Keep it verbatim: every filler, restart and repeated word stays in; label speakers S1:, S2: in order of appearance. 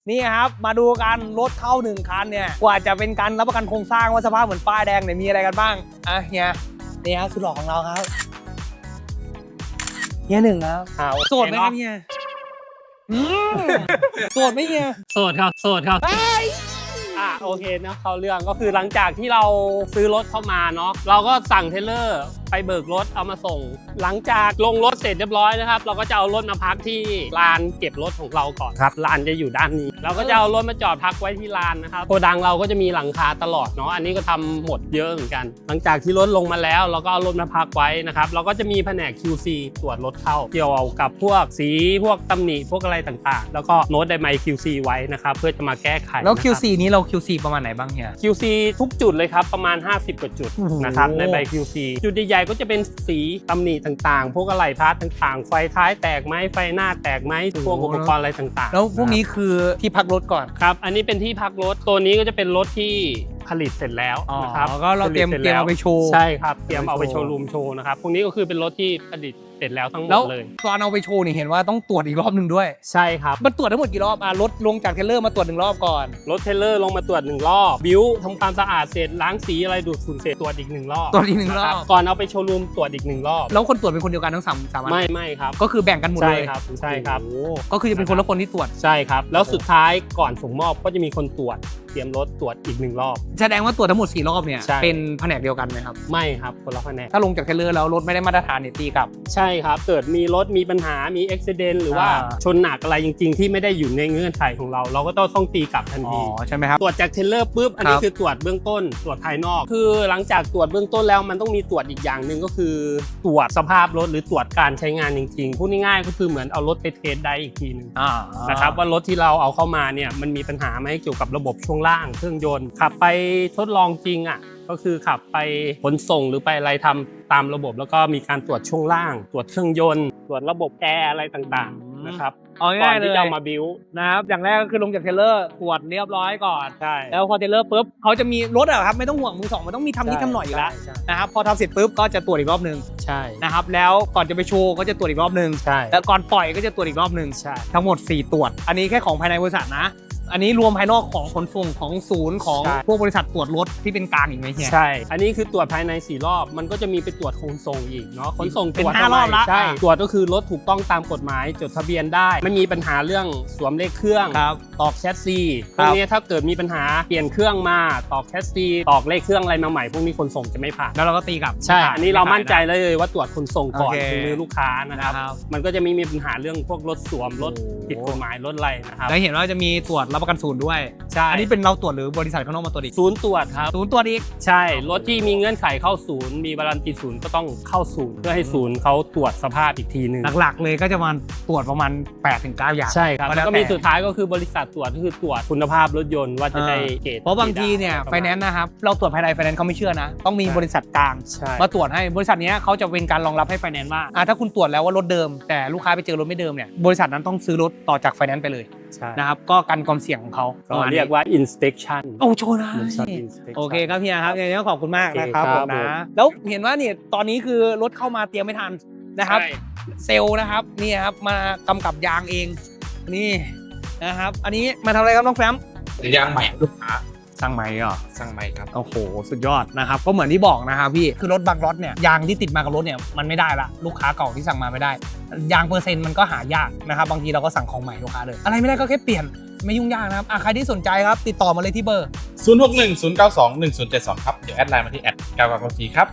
S1: นี่ครับมาดูกันรถเข้าหนึ่งคันเนี่ยกว่าจะเป็นการรับประกันโครงสร้างว่าสภาพเหมือนป้ายแดงเนี่ยมีอะไรกันบ้างอ่ะเฮียนี่ฮะสุดหล่อของเราครับเฮียหนึ่งครับโสดไหมครับเฮียโสดไหมเฮีย
S2: โสดครับโสดครับอ่ะโอเคนะเข้าเรื่องก็คือหลังจากที่เราซื้อรถเข้ามาเนาะเราก็สั่งเทรลเลอร์ไปเบิกรถเอามาส่งหลังจากลงรถเสร็จเรียบร้อยนะครับเราก็จะเอารถมาพักที่ลานเก็บรถของเราก่อนครับลานจะอยู่ด้านนี้เราก็จะเอารถมาจอดพักไว้ที่ลานนะครับโกดังเราก็จะมีหลังคาตลอดเนาะอันนี้ก็ทำหมดเยอะเหมือนกันหลังจากที่รถลงมาแล้วเราก็เอารถมาพักไว้นะครับเราก็จะมีแผนก คิว ซี ตรวจรถเข้าเกี่ยวกับพวกสีพวกตำหนิพวกอะไรต่างๆแล้วก็โน้ตไดไม คิว ซี ไว้นะครับเพื่อจะมาแก้ไข
S1: แล้ว คิว ซี นี้เรา คิว ซี ประมาณไหนบ้างเฮีย
S2: คิว ซี ทุกจุดเลยครับประมาณห้าสิบกว่าจุดนะครับในใบ คิว ซี จุดใหญ่ๆก็จะเป็นสีตำหนิต่างๆพวกอะไหล่พาร์ทต่างๆไฟท้ายแตกไหมไฟหน้าแตกไหมพวกอุปกรณ์อะไรต่างๆ
S1: แล้วพวกนี้คือที่พักรถก่อน
S2: ครับอันนี้เป็นที่พักรถตัวนี้ก็จะเป็นรถที่ผลิตเสร็จแล้วนะครับ
S1: ก็เราเตรียมเตรียมเอาไปโชว์
S2: ใช่ครับเตรียมเอาไปโชว์รูมโชว์นะครับพวกนี้ก็คือเป็นรถที่ผลิตเสร็จแล้วทั้งหมดเลย
S1: ตอนเอาไปโชว์นี่เห็นว่าต้องตรวจอีกรอบหนึ่งด้วย
S2: ใช่ครับ
S1: มันตรวจทั้งหมดกี่รอบอ่ะรถลงจากเทรลเลอร์มาตรวจหนึ่งรอบก่อน
S2: รถเทรลเลอร์ลงมาตรวจหนึ่งรอบบิ้วทำความสะอาดเสร็จล้างสีอะไรดูดฝุ่นเสร็จตรวจอีกหนึ่งรอบ
S1: ตรวจอีกหนึ่งรอบ
S2: ก่อนเอาไปโชว์รูมตรวจอีกหนึ่งรอบ
S1: แล้วคนตรวจเป็นคนเดียวกันทั้งสามสามอัน
S2: ไม่ไม่ครับ
S1: ก็คือแบ่งกันหมดเลย
S2: ใช่ครับใช่ครับ
S1: ก็คือจะเป็นคนละคนที่ตรวจ
S2: ใช่ครับแล้วสุดท้ายก่อนส่งมอบก็จะมีคนตรวจเตรียมรถตรวจอีกหนึ่งรอบ
S1: แสดงว่าตรวจทั้งหมดสี่รอบเนี่ยเป็นแผนกเดียวกันไหมครับ
S2: ไม่ครับคนละแผนก
S1: ถ้าลงจากเทรลเลอร์แล้วรถไม่ได้มาตรฐานเนี่ยตีกลับ
S2: ใช่ครับเกิดมีรถมีปัญหามีอุบิเหตุหรือว่าชนหนักอะไรจริงๆที่ไม่ได้อยู่ในเงื่อนไขของเราเราก็ต้องต้องตีกลับทันที
S1: ใช่ไหมครับ
S2: ตรวจจากเทรลเลอร์ปุ๊บอันนี้คือตรวจเบื้องต้นตรวจภายนอกคือหลังจากตรวจเบื้องต้นแล้วมันต้องมีตรวจอีกอย่างหนึ่งก็คือตรวจสภาพรถหรือตรวจการใช้งานจริงๆพูดง่ายๆก็คือเหมือนเอารถไปเทสได้อีกทีนึงนะครับว่ารถที่เราเอาเข้ามาเนี่ยมันมีปัญหาไหมเกี่ยวกับระบบช่วงล่างเครื่องยนต์ขับไปทดลองจริงอ่ะก็คือขับไปขนส่งหรือไปอะไรทำตามระบบแล้วก็มีการตรวจช่วงล่างตรวจเครื่องยนต์ตรวจระบบแอร์อะไรต่างๆนะครับ
S1: เอาง่ายๆเลย
S2: ที่จะมาบิว
S1: นะครับอย่างแรกก็คือลงจากเทรลเลอร์ตรวจเรียบร้อยก่อน
S2: ใช่
S1: แล้วพอเทรลเลอร์ปุ๊บเขาจะมีรถอะครับไม่ต้องห่วงมือสองมันต้องมีทำนิดทำหน่อยอยู่แล้วนะครับพอทำเสร็จปุ๊บก็จะตรวจอีกรอบนึง
S2: ใช่
S1: นะครับแล้วก่อนจะไปโชว์ก็จะตรวจอีกรอบนึง
S2: ใช่
S1: แล้วก่อนปล่อยก็จะตรวจอีกรอบนึง
S2: ใช่
S1: ทั้งหมดสี่ตรวจอันนี้แค่ของภายในบริษัทนะอันนี้รวมภายนอกของขนส่งของศูนย์ของพวกบริษัทตรวจรถที่เป็นกลางอีกไหมเฮีย
S2: ใช่อันนี้คือตรวจภายในสี่รอบมันก็จะมีไปตรวจขนส่งอีกเนาะขนส่งตรวจ
S1: ห้ารอบละ
S2: ใช่ตรวจก็คือรถถูกต้องตามกฎหมายจดทะเบียนได้ไม่มีปัญหาเรื่องสวมเลขเครื่องตอกแชสซีพวกนี้ถ้าเกิดมีปัญหาเปลี่ยนเครื่องมาตอกแชสซีตอกเลขเครื่องอะไรมาใหม่พวกนี้ขนส่งจะไม่ผ่าน
S1: แล้วเราก็ตีกลับ
S2: ใช่อันนี้เรามั่นใจเลยว่าตรวจขนส่งก่อนถึงมือลูกค้านะครับมันก็จะมีมีปัญหาเรื่องพวกรถสวมรถผิดกฎหมายรถอะไรนะครับ
S1: แล้วเห็นว่าจะมีตรวจรับประกันศูนย์ด้วย
S2: ใช่
S1: อันนี้เป็นเราตรวจหรือบริษัทข้างนอกมาตรวจอีก
S2: ศูนย์ตรวจครับ
S1: ศูนย์ตรวจอีก
S2: ใช่รถที่มีเงื่อนไขเข้าศูนย์มีวารันตีศูนย์ก็ต้องเข้าศูนย์เพื่อให้ศูนย์เขาตรวจสภาพอีกทีนึง
S1: หลักๆเลยก็จะมาตรวจประมาณ แปดถึงเก้า อย่าง
S2: ใช่ครับแล้วก็มีสุดท้ายก็คือบริษัทตรวจก็คือตรวจคุณภาพรถยนต์ว่าจะได้เกรด
S1: เพราะบางทีเนี่ยไฟแนนซ์นะครับเราตรวจภายในไฟแนนซ์เขาไม่เชื่อนะต้องมีบริษัทกลางมาตรวจให้บริษัทนี้เขาจะเป็นการรองรับให้ไฟแนนซ์ว่าถ้าคุณตรวจแล้วว่ารถเดิมแต่ลูกค้าไปเจอรถไม่เดิมเนี่ยบริษัทนั้นต้องซื้อรถต่อจากไฟแนนซ์ไปเลยนะครับก็กันความเสี่ยงของเขา
S2: เรียกว่า inspection
S1: โอ้โชว์นะโอเคครับพี่ครับอย่างนี้ก็ขอบคุณมากนะครับผมนะแล้วเห็นว่าเนี่ยตอนนี้คือรถเข้ามาเตรียมไม่ทันนะครับเซลล์นะครับนี่ครับมากำกับยางเองนี่นะครับอันนี้มาทำอะไรครับน้องแฟม
S3: ยางใหม่ลูกค้า
S1: สั่งใหม่เหรอ
S3: สั่งใหม่ครับ
S1: โอ้โหสุดยอดนะครับก็เหมือนที่บอกนะครับพี่คือรถบางรถเนี่ยยางที่ติดมากับรถเนี่ยมันไม่ได้ละลูกค้าเก่าที่สั่งมาไม่ได้ยางเปอร์เซ็นต์มันก็หายากนะครับบางทีเราก็สั่งของใหม่ลูกค้าเลยอะไรไม่ได้ก็แค่เปลี่ยนไม่ยุ่งยากนะครับใครที่สนใจครับติดต่อมาเลยที่เบอร์
S3: ศูนย์ หก หนึ่ง ศูนย์ เก้า สอง หนึ่ง ศูนย์ เจ็ด สองครับเดี๋ยวแอดไลน์มาที่แอดเก้าเก้าเก้าสี่ครับ